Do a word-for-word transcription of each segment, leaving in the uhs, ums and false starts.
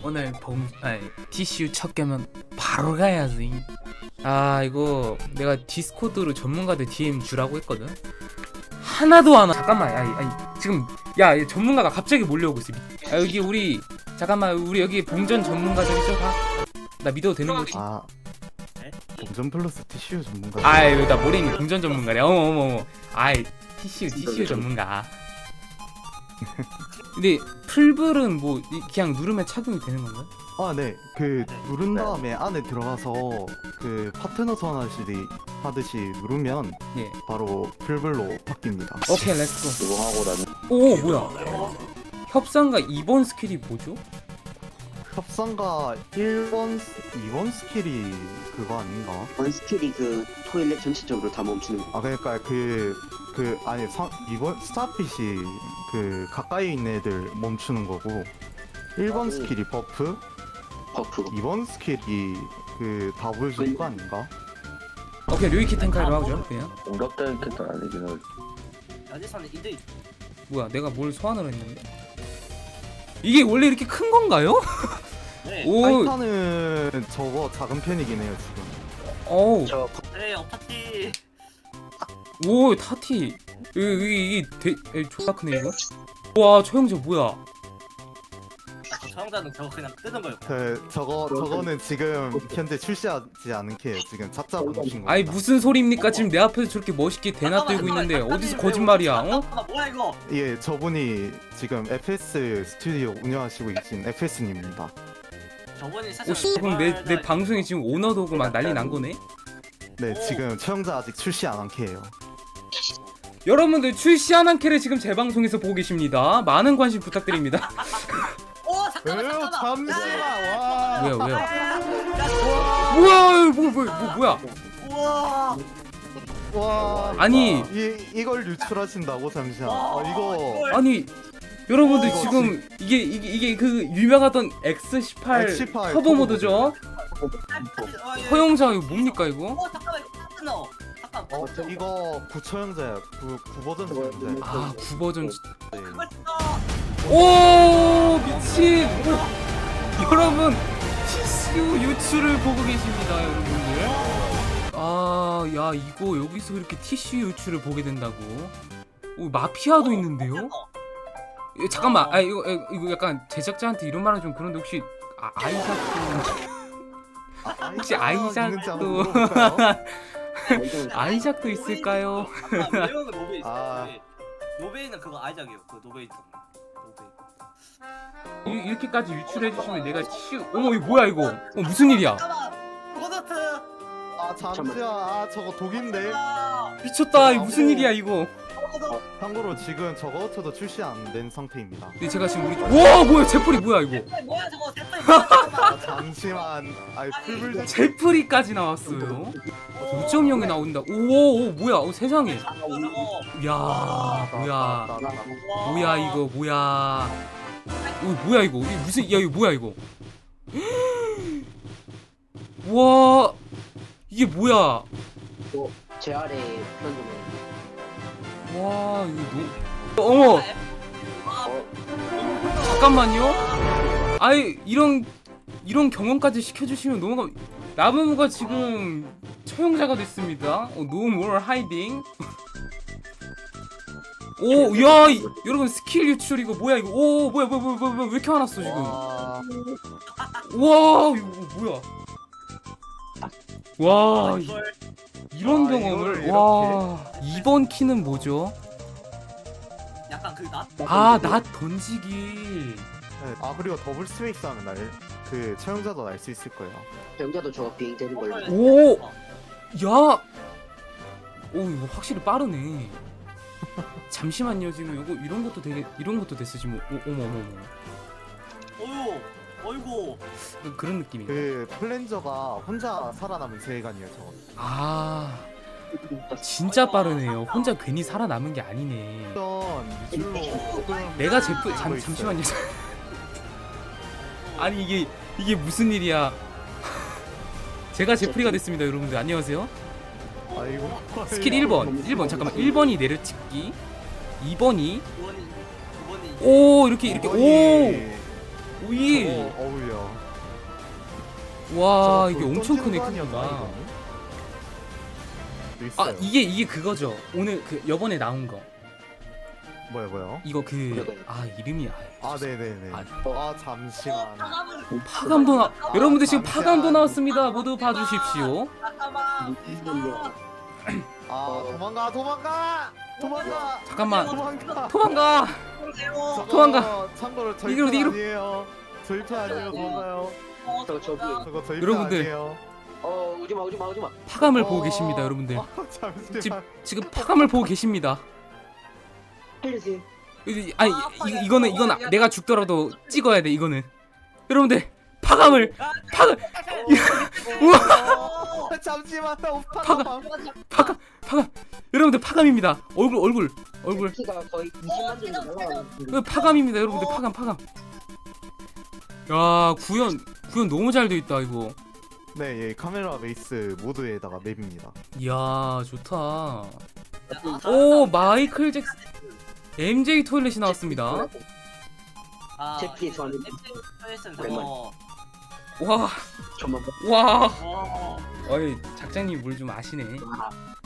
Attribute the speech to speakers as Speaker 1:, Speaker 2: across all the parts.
Speaker 1: 오늘 봉 아니 티슈 첫 개면 바로 가야지. 아 이거 내가 디스코드로 전문가들 디엠 주라고 했거든. 하나도 안 와. 잠깐만, 아니, 아니 지금 야 얘 전문가가 갑자기 몰려오고 있어. 아 여기 우리 잠깐만 우리 여기 봉전 전문가들 있어 봐. 나 믿어도 되는 거지?
Speaker 2: 아 봉전 플러스 티슈 전문가.
Speaker 1: 아이 나 모래니 봉전 전문가래. 어머 어머 어머. 아이 티슈 티슈 전문가. 근데 풀불은 뭐 이- 그냥 누르면 착용이 되는 건가요?
Speaker 2: 아 네, 그 누른 다음에 안에 들어가서 그 파트너 소환하시듯이 하듯이 누르면
Speaker 1: 예.
Speaker 2: 바로 풀불로 바뀝니다.
Speaker 1: 오케이 렛츠고.
Speaker 3: 이거 하고 나는
Speaker 1: 오 뭐야? 협상가 이 번 스킬이 뭐죠?
Speaker 2: 협상가 일 번, 이 번 스킬이 그거 아닌가?
Speaker 3: 원 스킬이 그 토일렛 전체적으로 다 멈추는
Speaker 2: 아 그러니까 그 그 아니 사, 이 번 스타핏이 그 가까이 있는 애들 멈추는 거고 일 번 스킬이 버프,
Speaker 3: 버프.
Speaker 2: 이 번 스킬이 그 다 보여주는 거 아닌가?
Speaker 1: 오케이 류이키 텐카이로 하죠 그냥.
Speaker 4: 공격적인 캐릭터는 아니긴 해.
Speaker 5: 여기서는 이들
Speaker 1: 뭐야 내가 뭘 소환을 했는데? 이게 원래 이렇게 큰 건가요?
Speaker 5: 네.
Speaker 1: 오,
Speaker 2: 타이탄은 저거 작은 편이긴 해요 지금.
Speaker 1: 어우,
Speaker 3: 저
Speaker 5: 네 어파티
Speaker 1: 오 타티. 이게 이게 대, 에, 존나 크네 이거. 와 초형제 뭐야?
Speaker 5: 저 사용자는 저거 그냥 뜨는 거예요.
Speaker 2: 그 저거 저거는 지금 현재 출시하지 않은 게 지금 작자 보내신 거.
Speaker 1: 아니 무슨 소리입니까? 지금 내 앞에서 저렇게 멋있게 대나 들고 있는데 어디서 거짓말이야? 어?
Speaker 5: 아, 뭐야 이거?
Speaker 2: 예, 저분이 지금 에프에스 스튜디오 운영하시고 계신 에프에스님입니다.
Speaker 5: 저번에 사실
Speaker 1: 오, 그럼 내 내 방송에 지금 오너도 오고 막 난리 난 거네?
Speaker 2: 네,
Speaker 5: 오.
Speaker 2: 지금 최영자 아직 출시 안 한 캐예요.
Speaker 1: 여러분들 출시한 한 캐를 지금 제 방송에서 보고 계십니다. 많은 관심 부탁드립니다.
Speaker 5: 오 잠깐만
Speaker 2: 왜요?
Speaker 5: 잠깐만.
Speaker 2: 잠시만. 와.
Speaker 1: 왜요 왜요?
Speaker 5: 야,
Speaker 1: 뭐야 뭐, 뭐, 뭐 뭐야?
Speaker 5: 우와.
Speaker 2: 와.
Speaker 1: 아니
Speaker 2: 이 이걸 유출하신다고 잠시만.
Speaker 5: 와,
Speaker 2: 아, 이거
Speaker 5: 이걸-
Speaker 1: 아니 여러분들
Speaker 2: 어,
Speaker 1: 지금 이게 이게 이게 그 유명하던 엑스 십팔
Speaker 2: 엑스 십팔
Speaker 1: 터보 모드죠?
Speaker 5: 아, 예.
Speaker 1: 허용자 이거 뭡니까 이거?
Speaker 5: 어 잠깐만 이거 똑같은 너. 잠깐.
Speaker 2: 어, 이거 구처형자야. 구, 구 버전 처형자야.
Speaker 1: 아 구 버전.
Speaker 2: 네.
Speaker 5: 그걸 써.
Speaker 1: 오 미친. 오. 여러분 티슈 유출을 보고 계십니다 여러분들. 아야 이거 여기서 이렇게 티슈 유출을 보게 된다고? 오 마피아도 있는데요? 예, 잠깐만, 아 이거 에, 이거 약간 제작자한테 이런 말은 좀 그런데 혹시 아, 아이작도
Speaker 2: 아,
Speaker 1: 혹시
Speaker 2: 아이작 있는지 한번
Speaker 1: 아이작도
Speaker 2: 물어볼까요?
Speaker 1: 아이작도 있을까요?
Speaker 5: 아까 외우는 노베 있어.
Speaker 2: 아.
Speaker 5: 노베이는 그거 아이작이에요. 그 노베이 동. 노베이.
Speaker 1: 이, 이렇게까지 유출해 주시면 내가 치 어머 이거 뭐야 이거? 어 무슨 일이야?
Speaker 5: 잠깐만. 고더트.
Speaker 2: 아, 잠시만. 아, 저거 독인데.
Speaker 5: 아,
Speaker 1: 미쳤다 이거 무슨 일이야 이거?
Speaker 5: 고더.
Speaker 2: 참고로 지금 저거 저도 출시 안 된 상태입니다.
Speaker 1: 근데 제가 지금 우리 와 뭐야 제풀이 뭐야 이거?
Speaker 5: 뭐야 저거 대파 뭐야 잠깐만.
Speaker 2: 아, 잠시만. 아이 풀불
Speaker 1: 제풀이까지 나왔어요. 오 점 영이 나온다. 오오 뭐야? 어, 세상에.
Speaker 5: 저거 저거.
Speaker 1: 야 뭐야?
Speaker 2: 아,
Speaker 1: 뭐야 이거 뭐야? 오 뭐야 이거? 이게 무슨 야 이거 뭐야 이거? 와 이게 뭐야?
Speaker 3: 제 아래 표현 좀 해.
Speaker 1: 와 이거 너무 어머 잠깐만요. 아이 이런 이런 경험까지 시켜주시면 너무 감... 나무무가 지금 처형자가 됐습니다. 어, no more hiding. 오, 야, 이, 여러분 스킬 유출 이거 뭐야 이거? 오, 뭐야, 뭐야, 뭐야, 뭐야, 왜 이렇게 화났어 지금?
Speaker 2: 와,
Speaker 1: 와, 이거 뭐야? 와, 이,
Speaker 5: 이걸
Speaker 1: 이런
Speaker 2: 아,
Speaker 1: 경험을
Speaker 2: 이거를
Speaker 1: 와. 이번 키는 뭐죠?
Speaker 5: 약간 그 나.
Speaker 1: 아, 낫 던지기.
Speaker 2: 네. 아 그리고 더블 스웨이스 하면 날그 처형자도 날 수 있을 거예요.
Speaker 3: 병자도 저 비행 되는 걸로.
Speaker 1: 오! 야! 오 이거 확실히 빠르네. 잠시만요 지금 이거 이런 것도 되게 이런 것도 됐어 지금. 오, 어머 어머 어머.
Speaker 5: 어유. 어이구.
Speaker 1: 그- 그런 느낌이.
Speaker 2: 그 플랜저가 혼자 살아남은 세계관이에요 저거.
Speaker 1: 아 진짜 빠르네요. 혼자 괜히 살아남은 게 아니네.
Speaker 2: 어떤 미술로 조금
Speaker 1: 내가 제프
Speaker 2: 있어요.
Speaker 1: 잠 잠시만요. 아니 이게 이게 무슨 일이야? 제가 제프리가 됐습니다 여러분들 안녕하세요.
Speaker 2: 아이고
Speaker 1: 스킬 일 번 일 번 잠깐만 일 번이 내려찍기, 이 번이
Speaker 5: 두 번이 두 번이.
Speaker 1: 오 이렇게 이렇게 오.
Speaker 2: 이번이-
Speaker 5: 어,
Speaker 1: 오일.
Speaker 2: 어, 어우야.
Speaker 1: 와
Speaker 2: 저거
Speaker 1: 이게
Speaker 2: 돌
Speaker 1: 엄청
Speaker 2: 던지는
Speaker 1: 크네
Speaker 2: 거 아니었나,
Speaker 1: 크기가.
Speaker 2: 이거는?
Speaker 1: 아
Speaker 2: 있어요.
Speaker 1: 이게 이게 그거죠. 오늘 그 요번에 나온 거.
Speaker 2: 뭐야 뭐야?
Speaker 1: 이거 그 아 이름이 아,
Speaker 2: 아 네네네.
Speaker 1: 아,
Speaker 2: 아 잠시만.
Speaker 1: 파감도 나.
Speaker 2: 아,
Speaker 1: 여러분들 지금
Speaker 2: 잠시만.
Speaker 1: 파감도 나왔습니다. 모두 봐주십시오.
Speaker 5: 잠깐만.
Speaker 2: 아 도망가 도망가 도망가.
Speaker 1: 잠깐만.
Speaker 2: 도망가.
Speaker 1: 도망가.
Speaker 2: 저거
Speaker 1: 도망가.
Speaker 2: 참고로 저희
Speaker 1: 이리로,
Speaker 2: 편
Speaker 1: 이리로.
Speaker 2: 아니에요. 저희 편 아니에요. 도망가요.
Speaker 3: 저 저기
Speaker 2: 저거 저희
Speaker 1: 여러분들.
Speaker 2: 편 아니에요.
Speaker 3: 어 오지마 오지마 오지마.
Speaker 1: 파감을
Speaker 2: 어,
Speaker 1: 보고 계십니다, 여러분들.
Speaker 2: 어, 잠시만.
Speaker 1: 지금 지금 파감을 보고 계십니다.
Speaker 3: 살려주세요.
Speaker 1: 이- 아니 이, 이거는 이건 내가 죽더라도 찍어야 돼 이거는. 여러분들 파감을 파감 우와
Speaker 2: 어, 잠시만 나 오빠.
Speaker 1: 파감 파감 파감 여러분들 파감입니다. 얼굴 얼굴 얼굴
Speaker 3: 키가 거의 이십만 정도 날라가는데.
Speaker 1: 이거 파감입니다, 여러분들. 파감 파감. 야 구현 구현 너무 잘 돼 있다 이거.
Speaker 2: 네, 예, 카메라 베이스 모드에다가 맵입니다.
Speaker 1: 이야 좋다. 오 마이클 잭슨 엠제이 토일렛이 나왔습니다.
Speaker 5: 아,
Speaker 3: 제피의 저는
Speaker 5: 엠제이 저거.
Speaker 1: 와
Speaker 3: 저만
Speaker 1: 와.
Speaker 5: 와.
Speaker 1: 어이 작장님 물 좀 아시네.
Speaker 3: 봐.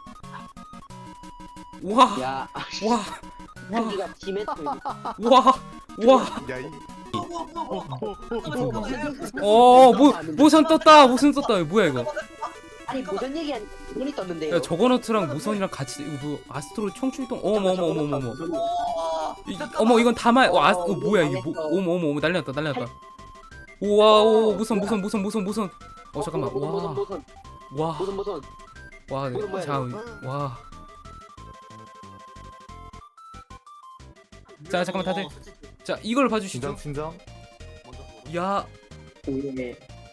Speaker 1: 와
Speaker 3: 야
Speaker 1: 와.
Speaker 3: 한기가 팀에서
Speaker 1: 와 와.
Speaker 2: 야, 이
Speaker 1: 어, 뭐 모선 떴다. 모선 떴다. 이거 뭐야 이거?
Speaker 3: 아니 무슨 얘기하니 눈이 떴는데요.
Speaker 1: 야, 저거너트랑 모선이랑 같이 이거 뭐 아스트로 총출동. 어머 어머 어머 어머 어머. 이, 어머 이건 다말. 어, 아, 어, 뭐야 이게? 뭐, 어머 어머 어머 난리났다 난리났다. 우와 오 모선 모선 모선 모선 모선. 어 잠깐만.
Speaker 3: 무슨
Speaker 1: 와.
Speaker 3: 무슨
Speaker 1: 와.
Speaker 3: 무슨 무슨
Speaker 1: 와.
Speaker 3: 무슨 뭐야,
Speaker 1: 자. 와. 자 잠깐만 다들. 자 이걸 봐주시죠.
Speaker 2: 진정 진정.
Speaker 1: 야.
Speaker 3: 예.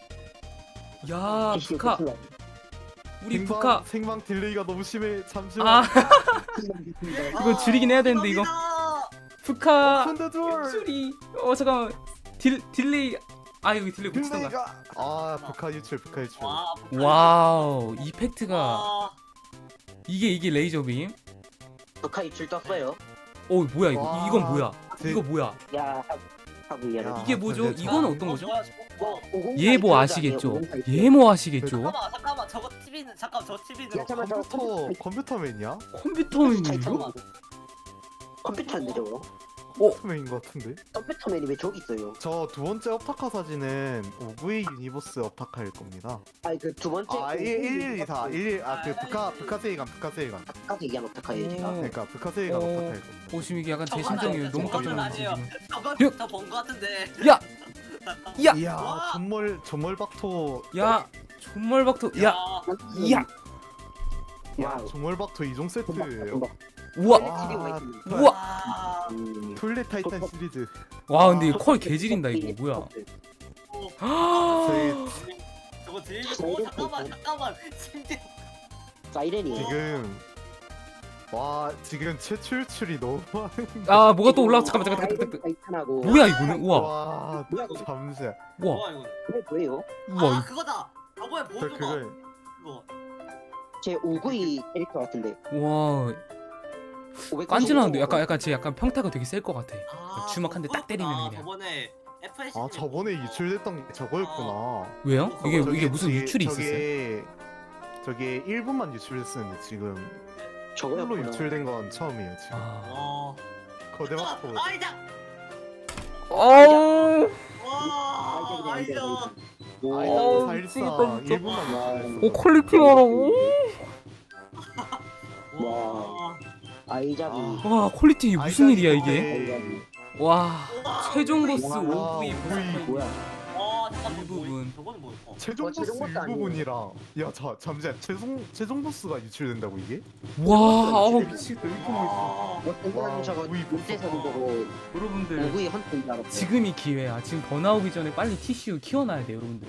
Speaker 1: 야 북카. 우리
Speaker 2: 생방,
Speaker 1: 북카.
Speaker 2: 생방 딜레이가 너무 심해. 잠시만.
Speaker 1: 아 이거 줄이긴 해야 되는데 이거. 북카.
Speaker 2: 펀더 둘.
Speaker 1: 수리. 어 잠깐만. 딜 딜레이. 아 여기 딜레이 고치던가.
Speaker 2: 딜레이가. 아, 북한 유출, 북한 유출.
Speaker 5: 와.
Speaker 1: 와우 이펙트가
Speaker 5: 와.
Speaker 1: 이게 이게 레이저 빔.
Speaker 3: 북한 입술 떴어요.
Speaker 1: 어 뭐야 이거?
Speaker 2: 와.
Speaker 1: 이건 뭐야?
Speaker 2: 제-
Speaker 1: 이거 뭐야?
Speaker 3: 야 하고
Speaker 2: 야.
Speaker 3: 얘는
Speaker 1: 이게 뭐죠?
Speaker 2: 근데 저-
Speaker 1: 이거는 어떤 거죠?
Speaker 3: 뭐 오공팔
Speaker 1: 예보
Speaker 3: 아니에요,
Speaker 1: 아시겠죠?
Speaker 3: 오공팔.
Speaker 1: 예모 아시겠죠?
Speaker 5: 잠깐만 잠깐만 저거 티비는 잠깐 저 티비는
Speaker 3: 야, 잠깐만, 저
Speaker 2: 컴퓨터 컴퓨터맨이야?
Speaker 1: 컴퓨터맨이죠?
Speaker 3: 컴퓨터인데 저거?
Speaker 2: 컴퓨터맨인 것 같은데?
Speaker 3: 컴퓨터맨이 왜 저기 있어요?
Speaker 2: 저 두 번째 업타카 사진은 오브이 유니버스 업타카일 겁니다.
Speaker 3: 아니 그 두 번째
Speaker 2: 아, 일일이사 일일 아그 북카 북카 세이간 북카 세이간.
Speaker 3: 아까 얘기한 어떡하예요 제가?
Speaker 1: 오.
Speaker 2: 그러니까 북카 세이간
Speaker 1: 어.
Speaker 2: 업타카일 겁니다.
Speaker 1: 오 지금 이게 약간 제
Speaker 5: 저건
Speaker 1: 심정이
Speaker 5: 아니에요.
Speaker 1: 너무 깜짝
Speaker 5: 저건
Speaker 1: 놀랐어
Speaker 5: 아니에요.
Speaker 1: 지금.
Speaker 5: 저건
Speaker 1: 야!
Speaker 5: 저본 거 같은데.
Speaker 1: 야! 야!
Speaker 2: 이야,
Speaker 5: 와.
Speaker 2: 전몰 전몰박토.
Speaker 1: 야! 존멀박토 야! 야!
Speaker 2: 야,
Speaker 3: 와우.
Speaker 2: 전몰박토 이종 세트예요.
Speaker 1: 우와!
Speaker 2: 와,
Speaker 1: 우와!
Speaker 5: 와.
Speaker 3: 음.
Speaker 2: 톨렛 타이탄 시리즈.
Speaker 1: 와 근데 이거 컬 개질인다 이거 뭐야?
Speaker 2: 저희
Speaker 5: 저거 들고 오 잠깐만 잠깐만 심지어
Speaker 3: 사이렌이
Speaker 2: 지금 와 지금 최초 유출이 너무 많은.
Speaker 1: 아 뭐가 또 올라? 잠깐만 잠깐 잠깐 잠깐.
Speaker 3: 타이탄하고
Speaker 1: 뭐야 이거는? 우와
Speaker 2: 와
Speaker 3: 뭐야, 이거?
Speaker 2: 잠시만.
Speaker 1: 우와
Speaker 5: 뭐야 이거?
Speaker 3: 그게 뭐예요?
Speaker 1: 우와
Speaker 5: 아 그거다. 저번에
Speaker 2: 저
Speaker 5: 보여준 거.
Speaker 2: 그걸
Speaker 5: 그거.
Speaker 3: 제 오구이 캐릭터 같은데
Speaker 1: 와
Speaker 3: 오백구십오.
Speaker 1: 깐지나는데 약간 약간 제 약간 평타가 되게 셀 것 같아.
Speaker 5: 아,
Speaker 1: 주먹 한 대 딱 때리면
Speaker 5: 그거구나.
Speaker 1: 그냥.
Speaker 5: 저번에 에프에스.
Speaker 2: 아 저번에 유출됐던 게 저거였구나.
Speaker 1: 왜요? 이게
Speaker 2: 저기-
Speaker 1: 이게 무슨
Speaker 2: 저기-
Speaker 1: 유출이 있었어요?
Speaker 2: 저게 저게 일 분만 유출됐었는데 지금 풀로
Speaker 3: 저거였구나.
Speaker 2: 유출된 건 처음이에요 지금.
Speaker 1: 아.
Speaker 5: 와.
Speaker 2: 거대박토.
Speaker 5: 아이자.
Speaker 1: 어우.
Speaker 5: 와. 아이자.
Speaker 3: 오.
Speaker 2: 아이고
Speaker 1: 미치겠다,
Speaker 2: 사실상
Speaker 1: 진짜.
Speaker 2: 일 분만 유출됐어.
Speaker 1: 오 퀄리티 봐라고.
Speaker 5: 와.
Speaker 3: 아이자비.
Speaker 2: 아.
Speaker 1: 와 퀄리티 이게 무슨 일이야 이게?
Speaker 3: 아이자비.
Speaker 1: 와 최종 보스
Speaker 3: 와,
Speaker 1: 오브이
Speaker 2: 오브이.
Speaker 3: 뭐야?
Speaker 5: 와 잠깐만.
Speaker 1: 일부분.
Speaker 5: 뭐, 저거는 뭐야? 어.
Speaker 2: 최종
Speaker 3: 어,
Speaker 2: 보스
Speaker 3: 최종 보스 아니에요?
Speaker 2: 일부분이랑 야자 잠시만 최종 최종 보스가 유출된다고 이게?
Speaker 1: 와 아우 미치겠다 이렇게 멋있어.
Speaker 5: 와.
Speaker 3: 어떤 사람 저거
Speaker 2: 오구이
Speaker 3: 못해서 보고
Speaker 1: 여러분들
Speaker 3: 오구이 헌터인 줄 알았어.
Speaker 1: 지금이 기회야. 지금 번아오기 전에 빨리 티슈 키워놔야 돼 여러분들.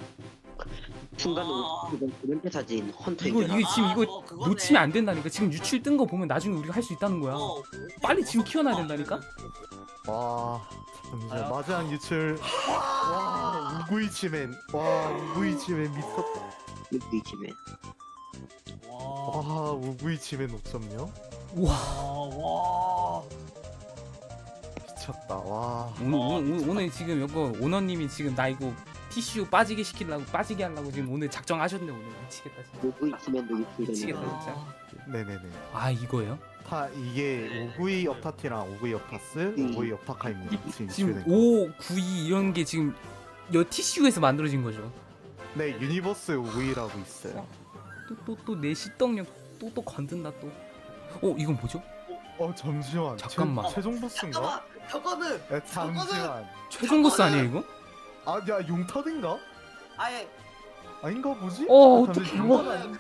Speaker 3: 순간으로
Speaker 5: 아.
Speaker 3: 이건 두 번째 사진 헌터인
Speaker 1: 이거
Speaker 3: 줄
Speaker 1: 이게
Speaker 3: 알았어.
Speaker 1: 지금
Speaker 5: 아,
Speaker 1: 이거
Speaker 5: 어, 그거네.
Speaker 1: 놓치면 안 된다니까. 지금 유출 뜬 거 보면 나중에 우리가 할 수 있다는 거야.
Speaker 5: 어,
Speaker 1: 빨리 지금 키워놔야 된다니까?
Speaker 2: 와 잠시만
Speaker 5: 아.
Speaker 2: 마지막 유출. 와 우구이치맨. 와 우구이치맨 미쳤다.
Speaker 3: 이지맨.
Speaker 5: 와.
Speaker 2: 와 우구이치맨 오 점요?
Speaker 1: 우와
Speaker 5: 와. 와.
Speaker 2: 미쳤다. 와.
Speaker 1: 오늘 오늘, 오늘 지금 이거 오너님이 지금 나 이거 티슈 빠지게 시키려고 빠지게 하려고 지금 오늘 작정하셨네 오늘. 미치겠다 진짜.
Speaker 3: 오브이 키면도
Speaker 1: 미치겠다
Speaker 3: 유튜브는
Speaker 1: 진짜.
Speaker 2: 네네네.
Speaker 1: 아 이거예요?
Speaker 2: 다 이게 오브이 업타티랑 오브이 업타스,
Speaker 3: 음.
Speaker 2: 오브이 업타카입니다. 지금
Speaker 1: 지금
Speaker 2: 있는.
Speaker 1: 오, 구, 이 이런 게 지금 여 티슈에서 만들어진 거죠.
Speaker 2: 네, 유니버스 오브이라고 있어요.
Speaker 1: 또 또 또 내 시떡력 또 또 건든다 또. 어 이건 뭐죠?
Speaker 2: 어 잠시만.
Speaker 1: 잠깐만.
Speaker 2: 최, 최종 보스인가?
Speaker 5: 잠깐만 저거는
Speaker 2: 야, 잠시만.
Speaker 1: 최종 보스 아니에요 이거?
Speaker 2: 아, 야 용타든가?
Speaker 5: 아예
Speaker 2: 아닌가 뭐지?
Speaker 1: 어,
Speaker 2: 아,
Speaker 1: 어떡해.
Speaker 2: 잠시만, 용타는 아닌-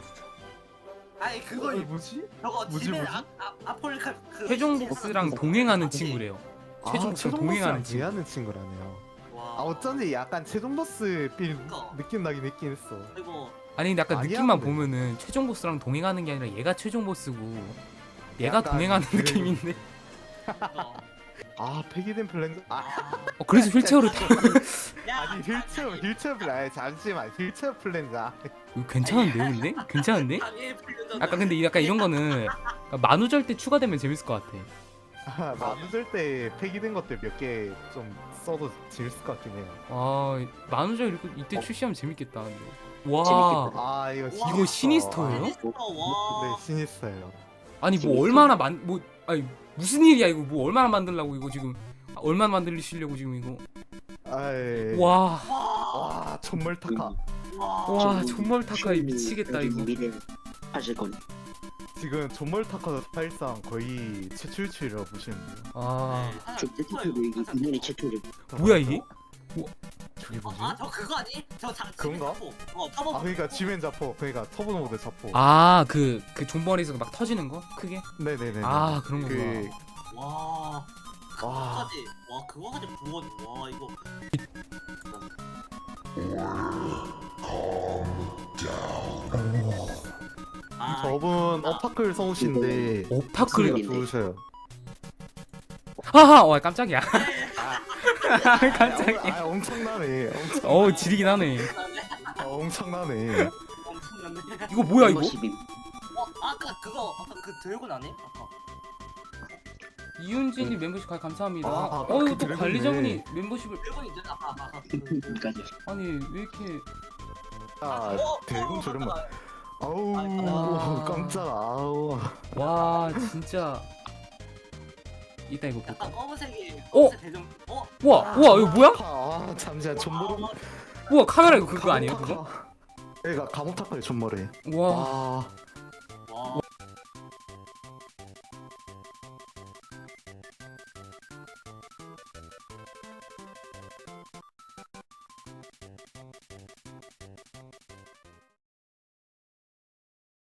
Speaker 5: 아예
Speaker 2: 어,
Speaker 5: 그거
Speaker 2: 뭐지?
Speaker 5: 저거
Speaker 2: 뭐지,
Speaker 5: 집에
Speaker 2: 뭐지?
Speaker 5: 아, 아, 아폴리카 그
Speaker 1: 최종 보스랑 동행하는 친구래요. 최종
Speaker 2: 아,
Speaker 1: 보스랑
Speaker 2: 최종
Speaker 1: 동행하는
Speaker 2: 보스랑
Speaker 1: 친구.
Speaker 2: 동행하는 친구라네요.
Speaker 5: 와.
Speaker 2: 아 어쩐지 약간 최종 보스 필
Speaker 5: 그니까.
Speaker 2: 느낌 나긴 했긴 했어.
Speaker 5: 그리고
Speaker 1: 아니 근데 약간
Speaker 2: 아니야,
Speaker 1: 느낌만
Speaker 2: 근데.
Speaker 1: 보면은 최종 보스랑 동행하는 게 아니라 얘가 최종 보스고 얘가
Speaker 2: 약간
Speaker 1: 동행하는
Speaker 2: 그-
Speaker 1: 느낌인데.
Speaker 5: 그거.
Speaker 2: 아 폐기된 플랜. 아
Speaker 1: 어, 그래서 휠체어를 타고
Speaker 5: 야,
Speaker 2: 아니 휠체어 휠체어 플랜. 아니, 잠시만 휠체어 플랜자.
Speaker 1: 이거 괜찮은데요 근데? 괜찮은데?
Speaker 5: 당연히 풀려잖아.
Speaker 1: 아까 근데 약간 이런 거는 만우절 때 추가되면 재밌을 것 같아.
Speaker 2: 아, 만우절 때 폐기된 것들 몇 개 좀 써도 재밌을 것 같긴 해요.
Speaker 1: 아 만우절 이렇게 이때 출시하면 재밌겠다. 근데. 와
Speaker 3: 재밌겠다.
Speaker 2: 아 이거 시니스터.
Speaker 1: 이거 시니스터예요?
Speaker 5: 와.
Speaker 2: 네 시니스터예요.
Speaker 1: 아니 뭐 얼마나 만 뭐 아니 무슨 일이야 이거 뭐 얼마나 만들려고 이거 지금 아, 얼마나 만들시려고 지금 이거
Speaker 2: 아이.
Speaker 1: 와
Speaker 2: 와 천멀타카.
Speaker 1: 와 정말 타카이 미치겠다 이거.
Speaker 3: 미래 하실 건
Speaker 2: 지금 존멀타카도 사실상 거의 최출출이라고 보시면 돼요.
Speaker 1: 아
Speaker 3: 저 제트표도 이게 이년이 최초죠.
Speaker 1: 뭐야 이게?
Speaker 2: 저게 뭐지?
Speaker 5: 아 저 그거 아니? 저 자,
Speaker 2: 그런가?
Speaker 5: 어 터보.
Speaker 2: 아 그러니까 지멘 자포 그러니까 터보 모드 자포.
Speaker 1: 아 그 그 존버리에서 막 터지는 거 크게?
Speaker 2: 네네네.
Speaker 1: 아 그런 거구나.
Speaker 2: 그
Speaker 5: 와.
Speaker 2: 와.
Speaker 5: 그거까지. 와 그거까지 부원. 와 이거. 아,
Speaker 2: 저분 어파클 성우신데
Speaker 1: 오파클
Speaker 2: 목소리가 좋으셔요.
Speaker 1: 하하 와 깜짝이야. 깜짝이야.
Speaker 2: 아 엄청나네. 엄청,
Speaker 1: 어우 지리긴 하네.
Speaker 2: 아, 엄청나네.
Speaker 5: 엄청났네.
Speaker 1: 이거 뭐야 이거?
Speaker 3: 멤버십임.
Speaker 5: 어 아까 그거 아까 그 드래곤 아니? 아까.
Speaker 1: 이윤진이 멤버십 가입 감사합니다.
Speaker 2: 아, 아,
Speaker 1: 어 이거
Speaker 2: 그
Speaker 1: 또
Speaker 2: 드래곤이네.
Speaker 1: 관리자분이 멤버십을
Speaker 5: 드래곤 있잖아. 아까 아까 아까. 그-
Speaker 3: 여기까지.
Speaker 1: 아니 왜 이렇게
Speaker 2: 아
Speaker 5: 어,
Speaker 2: 대군
Speaker 5: 어,
Speaker 2: 저렴.
Speaker 5: 잠깐만.
Speaker 2: 아우
Speaker 1: 아.
Speaker 2: 깜짝아. 아우.
Speaker 1: 와 진짜 이따 이거
Speaker 5: 약간
Speaker 1: 볼까?
Speaker 5: 검은색이
Speaker 1: 어?
Speaker 5: 검은색 대전. 어?
Speaker 1: 우와 우와 이거 뭐야?
Speaker 2: 아 잠시만 존머리.
Speaker 1: 우와 카메라 이거 그거 아니에요 그거?
Speaker 2: 얘가 가모타카의 존머리.
Speaker 1: 와
Speaker 2: 와